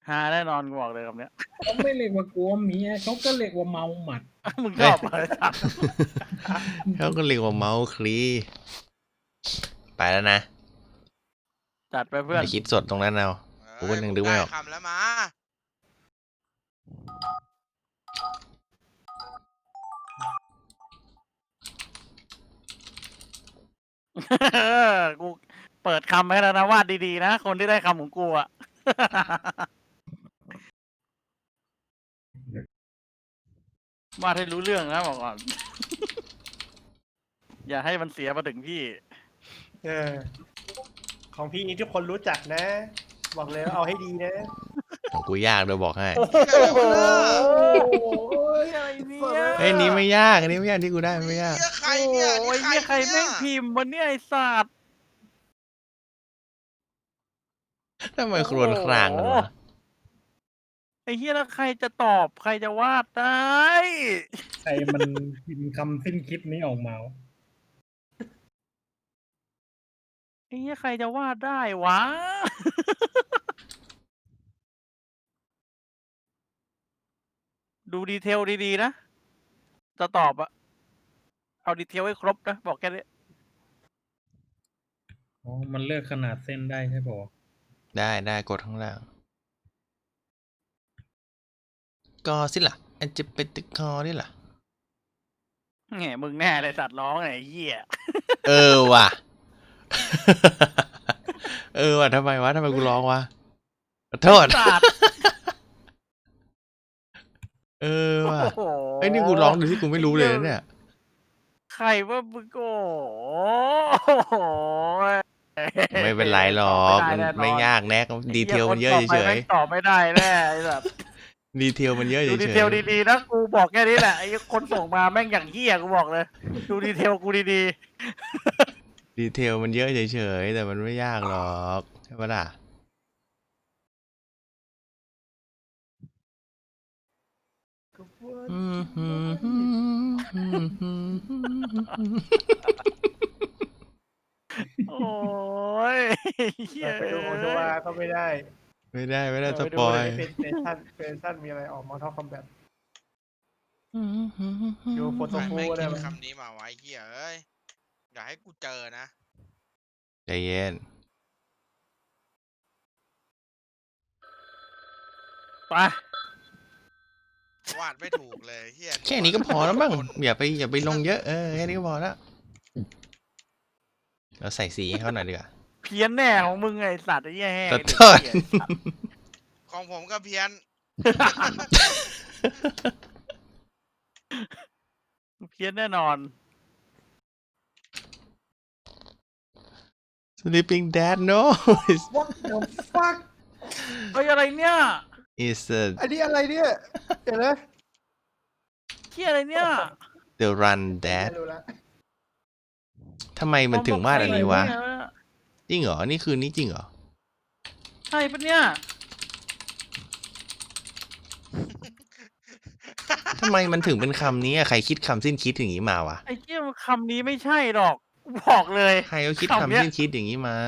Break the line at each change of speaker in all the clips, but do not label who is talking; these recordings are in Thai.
ฮาแน่นอนกูบอกเลยคำเนี้ย
เขาไม่เรียกว่ากลัวเมียเขาก็เรียกว่าเมาหมัด
มึงชอบอะไรสัก
เขาก็เรียกว่าเมาส์คลีไปแล้วนะ
จัดไปเพื่อน
ไปคิดสดตรงนั้นเอากูก็ยังนึกไม่ออก
คำแล้วมา
กูเปิดคำให้แล้วนะวาดดีๆนะคนที่ได้คำของกูอะ วาดให้รู้เรื่องนะบอกก่อน อย่าให้มันเสียมาถึงพี่
ของพี่นี่ทุกคนรู้จักนะ บอกเลยว่าเอาให้ดีนะ
ของกูยากโดยบอกให้
อะไรเนี่ย
เอ้ยนี้ไม่ยากอันนี้ไม่ยากที่กูได้ไม่ยาก
ใครเนี่ย
โอ้ยเนี่ยใครแม่งพิมพ์วันนี้ไอ้สัตว์
ทำไมครวญครางกันวะ
ไอ้เฮียแล้วใครจะตอบใครจะวาดได้
ใครมันพิมพ์คำสิ้นคิดนี้ออกมาวะ
ไอ้เฮียใครจะวาดได้วะ ดูดีเทลดีๆนะ จะตอบอะเอาดีเทลให้ครบนะ บอกแค่นี้
อ๋อมันเลือกขนาดเส้นได้ใช่ปะวะ
ได้กดข้างล่างกอสิล่ะอันจะเป็นตะคอนี่ล่ะ
แหมมึงแน่เลยสัตว์ร้องไอ้เหี้ย
เออว่ะ เออว่ะทำไมกูร้องวะขอโทษ
สัตว์
เออว่ะ
โอ้โห
ไอ้ยนี่กูร้องโดยที่กูไม่รู้เลยนะเนี่ย
ใครว่ามึงโอ้โห
ไม่เป็นไรหรอกมันไม่ยากแน่ดีเทลมันเยอะเฉย
ตอบไม่ได้แน่ไอ้สัตว์
ๆดีเทลมันเยอะเฉ
ดู
ย
ดีเทลดีๆนะกูบอกแค่นี้แหละไอ้คนส่งมาแม่งอย่างเหี้ยกูบอกเลย ดูดีเทลกูดี
ๆดีเทลมันเยอะเฉยๆแต่มันไม่ยากหรอกใช่ปะล่ะ
ๆ โอ้ยเหี้ย
ไปดูดูว่าก็ไม่ได้
ไม่ได้ส
ไปดู
ปอย
ในเพจชั่นมีอะไรออกมาเท่าคอมแบทดูโฟโต้
ใคร
ฟู
แม่ง
ได้
คิด
ไหม
คำนี้มาไว้เฮียเอ้ยอย่าให้กูเจอนะ
ใจเย็น
ไป
วาดไม่ถูกเลยเฮีย
แค่นี้ก็พอแล้วมั้งอย่าไปลงเยอะแค่นี้ก็พอแล้วเราใส่สีให้เขาหน่อยดีกว่า
เพี้ยนแน่ของมึงไอ้สัตว์ไอ้เหี้ยแห้ง
ขอโทษ
ของผมก็เพี้ยน
เพี้ยนแน่นอน
Sleeping Dad no
What the fuck
เฮ้ยอะไรเนี่ย
is
อันนี้อะไรเนี่ยเดี๋ยวนะ
เหี้ยอะไรเนี่ย
the run dad
ไม่รู้ละ
ทำไมมันถึงวาดอันนี้วะ
เหี้ย
จริงเหรอ นี่คือนี่จริงเหรอ
ใช่ปะเนี่ย
ทำไมมันถึงเป็นคำนี้อะใครคิดคำสิ้นคิดอย่างนี้มาวะ
ไอ้เหี้ยคำนี้ไม่ใช่หรอกกูบอกเลย
ใครเขาคิด
คำเนี้
คำ
ย
สิ้นคิดอย่างนี้มา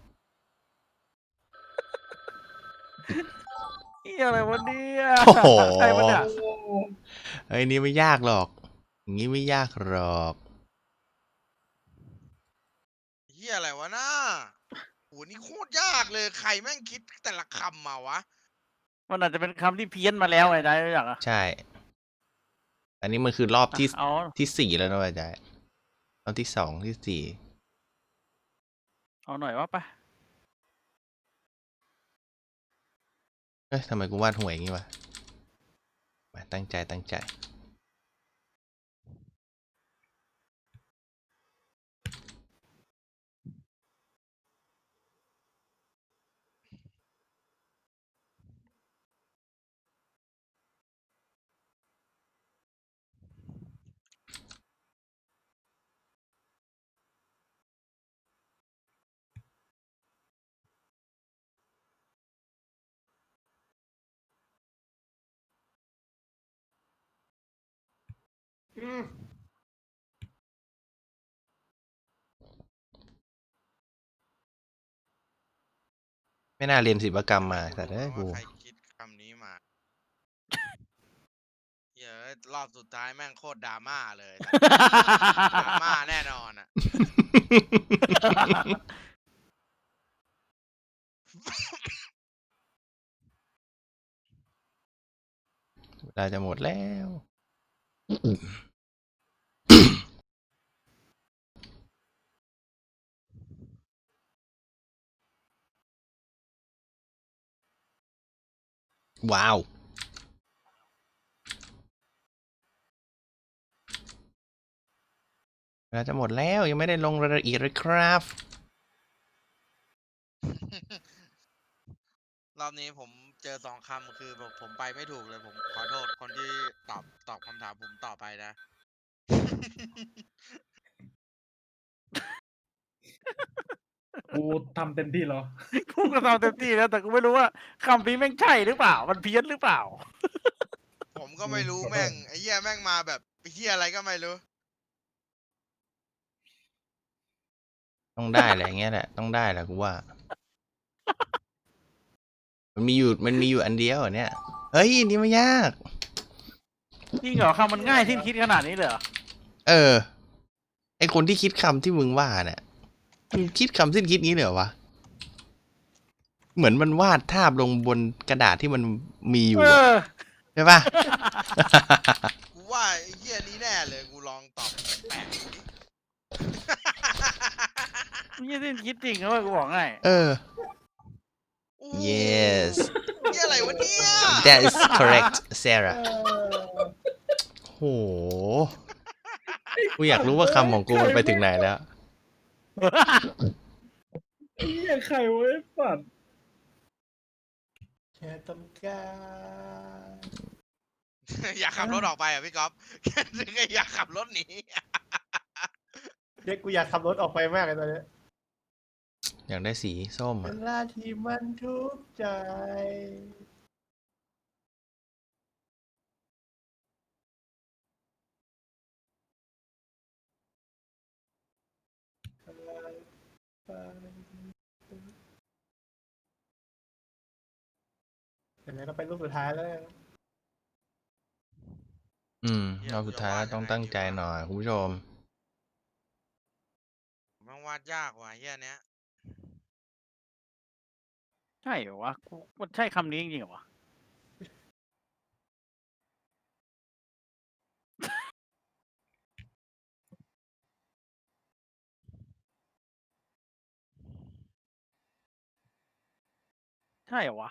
เหี้ยอะไรวะเนี่ย
โอ้โห
ใช่ปะเนี่ย
ไอ้ยนี่ไม่ยากหรอก อย่างนี้ไม่ยากหรอก
เฮียอะไรวะน่าโหนี่โคตรยากเลยใครแม่งคิดแต่ละคำมาวะ
มันอาจจะเป็นคำที่เพี้ยนมาแล้วไงได้รู้จักอ่ะ
ใช่ อันนี้มันคือรอบที่
เอา
ที่4แล้วนะอาจารย์รอบที่2ที่4
เอาหน่อยว่าไป
เอ้ยทำไมกูวาดห่วยอย่างงี้วะมาตั้งใจไม่น่าเรียนศิลปกรรมมาแต่เอ้ยกู
ใครคิดรอบสุดท้ายแม่งโคตรดราม่าเลยดราม่าแน่นอนอ่ะ
เวลาจะหมดแล้ว ว้าว เวลาจะหมดแล้วยังไม่ได้ลงรายละเอียดเลยครับ
รอบนี้ผมเจอ2 คำคือแบบผมไปไม่ถูกเลยผมขอโทษคนที่ตอบคำถามผมต่อไปนะ
กูทำเต็มที่แล้ว
กูก็ทำเต็มที่แล้วแต่กูไม่รู้ว่าคำนี้แม่งใช่หรือเปล่า มันเพี้ยนหรือเปล่า
ผมก็ไม่รู้แม่งไอ้เหี้ยแม่งมาแบบไอ้เหี้ยอะไรก็ไม่รู้
ต้องได้แหละอย่างเงี้ยแหละต้องได้แหละกูว่า มันมีอยู่อันเดียวอะเนี่ยเฮ้ยนี่ไม่ยาก
จริงเหรอคำมันง่ายที่คิดขนาดนี้เลยเหรอ
เออ ไอคนที่คิดคำที่มึงว่าเนี่ยมึงคิดคำสิ้นคิดงี้เลยเหรอวะ เหมือนมันวาดภาพลงบนกระดาษที่มันมีอยู่
เอ
อะ
อ
ใช่ปะ
กูว่าไอ้เหี้ยนี้แน่เลยกูลองตอบแปลกดูดิ
นี่ที่คิดจริงนะเว้ยกูบอกง่าย
เออ
โอ้
yes
เหี้ยอะไรวะเนี่ย
that is correct Sarah โหกูอยากรู้ว่าคำของกูมันไปถึงไหนแล้ว
ไอ้เหี้ยใครวะไอ้สัตว์
แค่ต้องการ
อยากขับรถออกไปอ่ะพี่ก๊อฟ แค่นึกว่าอยากขับรถหนี
เด็กกูอยากขับรถออกไปมากเลยตอนเนี้ย
อยากได้สีส้ม
เว
อะ
ลาที่มันทุกข์ใจเดี๋ยวเราไปรูปสุดท้ายแล้ว
รอบสุดท้ายแล้วต้องตั้งใจหน่อยคุณผู้ชม
มันวาดยากว่ะเหี้ยเนี้ย
ใช่เหรอวะกูมันใช่คำนี้จริงๆเหรอวะ ใช่เหรอวะ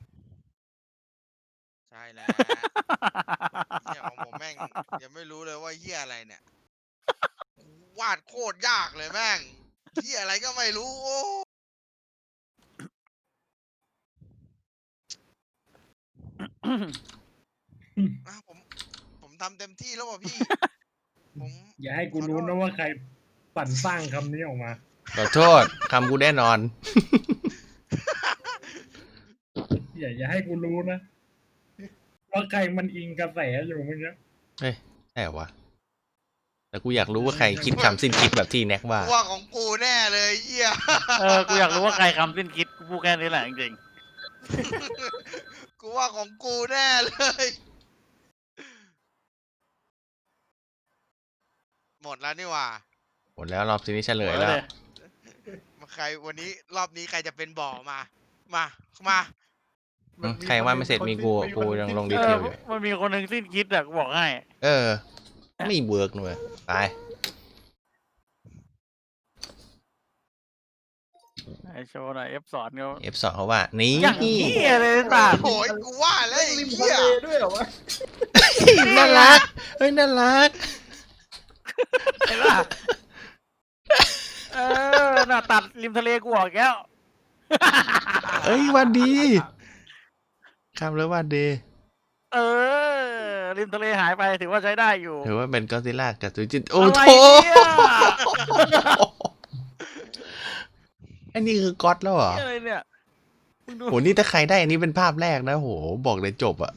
ใช่แล้วเหี้ยของผมแม่งยังไม่รู้เลยว่าเหี้ยอะไรเนี่ย วาดโคตรยากเลยแม่งเหี้ยอะไรก็ไม่รู้โอ้อ่ะผมทำเต็มที่แล้วว่ะพี่ ผม
อย่าให้กูรู้นะว่าใครปั่นสร้างคำนี้ออกมา
ขอโทษคำกูแน่นอน
อย่าให้กูรู้นะว่าใครมันอิงกระแสอยู่เมื่อกี้
เฮ้ยใช่เหรอวะ แต่กูอยากรู้ว่าใครคิดคำสิ้นคิดแบบที่แน็กว่า
ว่าของกูแน่เลยเหี้ย
เออ กูอยากรู้ว่าใครคำสิ้นคิด กูพูดแค่นี้แหละจริง
กูว่าของกูแน่เลย หมดแล้วนี่หว่า
หมดแล้วรอบทีนี้เฉ
ๆ
ลยแล้ว
ใครวันนี้รอบนี้ใครจะเป็นบ่อมา มา
ใครว่าไม่เสร็จมีกูยังลงดี
เอ
เท
อ
ลอยู่
มันมีคนหนึ่งสิ้นคิดอะกูบอกให้
เออ ไม่เวิร์กเลยไป
ไอโชว์หน่อย F สอนเขา
F2 เขาว่า นี่
อย่างนี้เลยตา
โอ้ยกูว่าแล้วไอ้
ริมทะ
เหี้ย
เลด้วยเหรอวะ
น่ารัก เฮ้ย น่ารัก
เห็นป่ะเออน่ะตัดริมทะเลกูออกแก้ว
เอ้ยวันดีคำแล้ววันดี
เออ ริมทะเลหายไปถือว่าใช้ได้อยู่
ถือว่าเป็นก็อดซิลล่ากับซูจินโอ้
อะไร
โห
เนี่ย
อันนี้คือก๊อตแล้วเหรอ
อะไรเนี่ยมึงดู
โห นี่ถ้าใครได้อันนี้เป็นภาพแรกนะโห บอกเลยจบอะ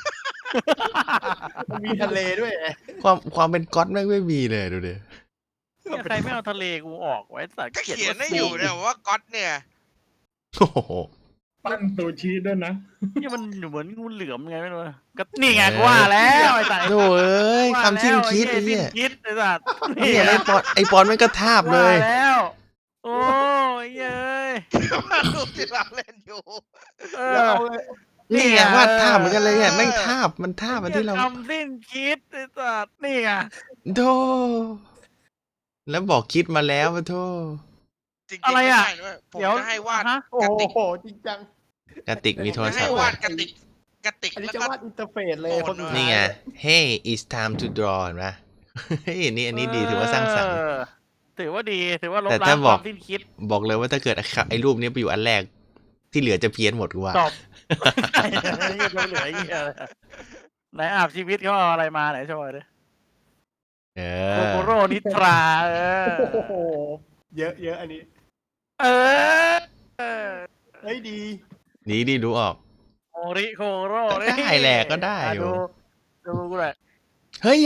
มันมีทะเลด้วยไง
ความเป็นก๊อตแม่งไม่มีเลยดูดิ
เนี่ยใครไม่เอาทะเลกูออกไว้สัตว์
ก็
เขียน
เขียน
ว่า
ให้อยู่เนี่ยว่าก๊อตเนี่ย
โอ้โห
ปั้นซูชิด้วยนะ
นี่มันเหมือนงูเหลือมไงไม่รู้นะก็นี่ไงกูว่าแล้วไอ้สัตว์
โธ่เอ้ยคำสิ้นคิดไอ้
สิ้
เหี้ย
นคิดไอ้สัตว์
เนี่ยไอ้ปอนมันก็ทาบเลย
ว่าแล้วโอ้ยเย้ย
มาดูที่เราเล่นอยู่
เอ
แล้ว
อ
เอาเลย
นี่ไงวาดทาบเหมือนกันเลยเนี่ยแม่งทาบมันทาบอันที่เรา
คำสิ้นคิดไอ้สัตว์นี่ไง
โธ่แล้วบอกคิดมาแล้วปะโธ่
จริงๆ
อะไรอ่ะ
ม่ด้ด้วยผม
เดี๋ยว
จะให้วาด
ฮะ
โอ้
กระติก
โหจริงจัง
กระติกมีโทร
จะ
ศั
ให้
พท์
วา
อะ
ดกระติก
อันนี้
แล้ว
จะ
ก็
วาดอินเตอร์เฟซเลย
โอ้
คนสุดท้าย
นี่ไง Hey it's time to draw เห็นปะเฮ้ยอันนี้ดีถือว่าสร้างสรรค์
เออถือว่าดีถือว่าลบ
แต่
ล้า
ถ้าง
ค
บอก
วามสิ้นคิด
บอกเลยว่าถ้าเกิดไอ้รูปนี้ไปอยู่อันแรก ที่เหลือจะเพี้ยนหมดกูว่า
จบไอ้เหี้ยเหลือไอ้เหี้ยเลยไหนอาบชีวิตเขาเอาอะไรมาไหนโชว์ดิ
เอ
โก
อ
โกโร่นิทราเออ
โอ้โหเยอะเยอะอันนี้
เออเออ
เฮ้ยดี
ดีดูออก
โอริโคโร่
ก็ได้แหละก็ได้อยู่
ดูกูเลย
เฮ้ย
เน่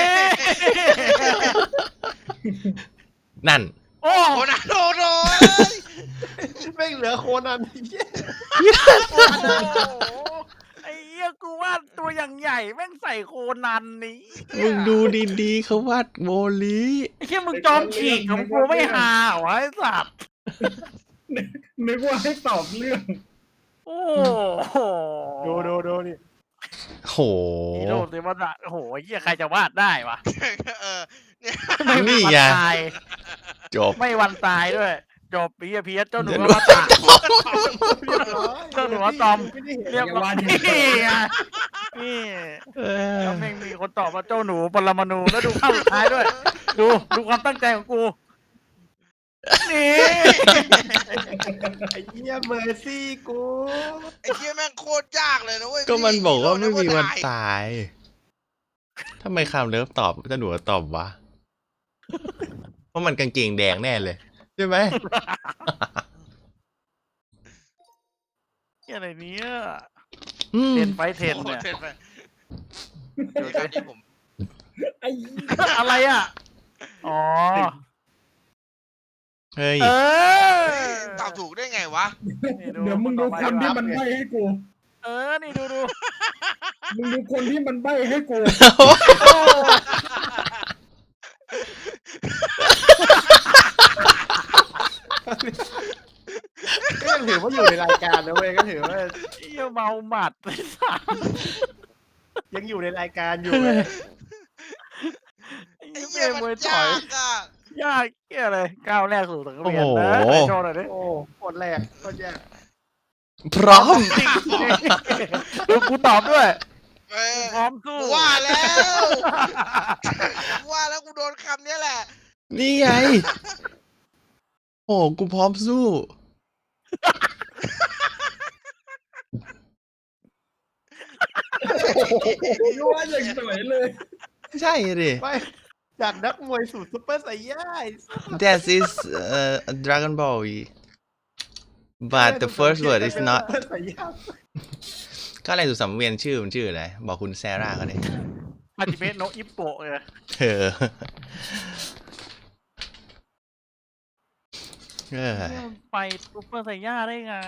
นั่น
โอ้
โอ้นะโดโด
แม่งเหลือโคนันเหี้ย
โอ้โหไอ้เหี้ยกูว่าตัวอย่างใหญ่แม่งใส่โคนันนี้
มึงดูดีๆเขาวาดโมลี
ไอ้เหี้ยมึงจอมฉีกของกูไม่หาเหรอไอ้สัตว์
นึกว่าให้ตอบเรื่อง
โอ้โห
ดูนี่
โห
ฮีโร่เซมาโอ้โหไอ้เหี้ยใครจะวาดได้วะ
เออเนี่ย
ไม่มี
นี่
วัน
ไง
ตาย
จบ
ไม่วันตายด้วย จบปีเพียเจ้าหนู
เดี๋ยว
ก็มาตาย
เรียบร้อย
เจ้าหนูว่าตอม
ไม่ได้เห็น
เรียบร้อยนี่ไงนี่
เออ
แล้วแม่งมีคนตอบว่าเจ้าหนูปรมาณูแล้วดูภาพสุดท้ายด้วย ดูความตั้งใจของกู นี่
ไอ้เหี้ยเมอร์ซี่กู
ไอ้เหี้ยแม่งโคตรยากเลยนะเว้ย
ก็มันบอกว่า
ฮี
ไม่
โร่
มีวัน
ตาย
ตายทำไมคำเลิฟตอบเจ้าหนูตอบวะ เพราะมันกางเกงแดงแน่เลย ใช่ไหม
เหี้ยอะไรเนี้ย
อืม
เทนไฟเทน
โอ้โห
เนี่ย
เทนไปเดี๋ยวการที่ผม
ไอ้
อะไรอ่ะ อ๋อ
เฮ้ย
เออ
ตอบถูกได้ไงวะ
เดี๋ยวมึงดูคนที่มันใบ้ให้กู
เออ นี่ดู
มึงดูคนที่มันใบ้ให้กู
ก็ยังถือว่าอยู่ในรายการนะเว้ยก็ถือว่า
เหี้ยเมาหมัดไอ้สัส
ยังอยู่ในรายการอยู่เว้ย
ไอ้
ไอ้
เหี้
เหี้
ย
ย
ม
มั
วย
น
ถอย
ยากอ่ะ
ยากเหี้ยเลยก้าวแรกสู่สังเวียน
โอ้โห
นะไหนโชว์หน่อยดิ
โอ้โคตรแรกโคตรยาก
พร้อม
ดูกูตอบด้วย
เออ
พร้อมสู้
กูว่าแล้ว กูว่าแล้วกูโดนคำเนี้ยแหละ
นี่ไง โอ้กูพร้อมสู้
รู้ว่าอย่างสวยเลย
ใช่ดิ
ไม่จากนักมวยสู่ซุปเปอร์ไซย่า
That is Dragon Ball but the first word is not
ซุปเปอร์ไซย่า
ก็อะไรสุดสังเวียนชื่อมันชื่ออะไร บอกคุณแซร่าเขาดิ
ฮาจิเมะโนะอิปโปะเลย
เออเออ
ไปซุปเปอร์ไซย่าได้ไง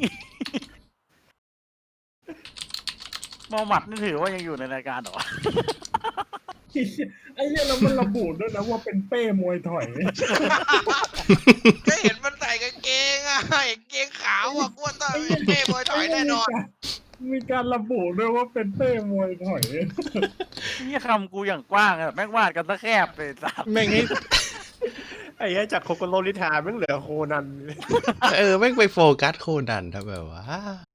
เมาหมัดนี่ถือว่ายังอยู่ในรายการเหรอ
ไอ้เนี่ยเรามันระบุด้วยนะว่าเป็นเป้มวยถอย
ก็เห็นมันใส่กางเกงอ่ะกางเกงขาวอ่ะกวนตาเป็นเท่บอยถอยแน่นอน
มีการระบุด้วยว่าเป็นเป้มวยถอย
นี่คำกูอย่างกว้างอะแม่งวาดกันซะแคบเลยสัส
แม่งให้
ไอ้เหี้ยจากโคโกโรลิทาแม่งเหลือโคนัน
แม่งไปโฟกัสโคนันทำแบบว่า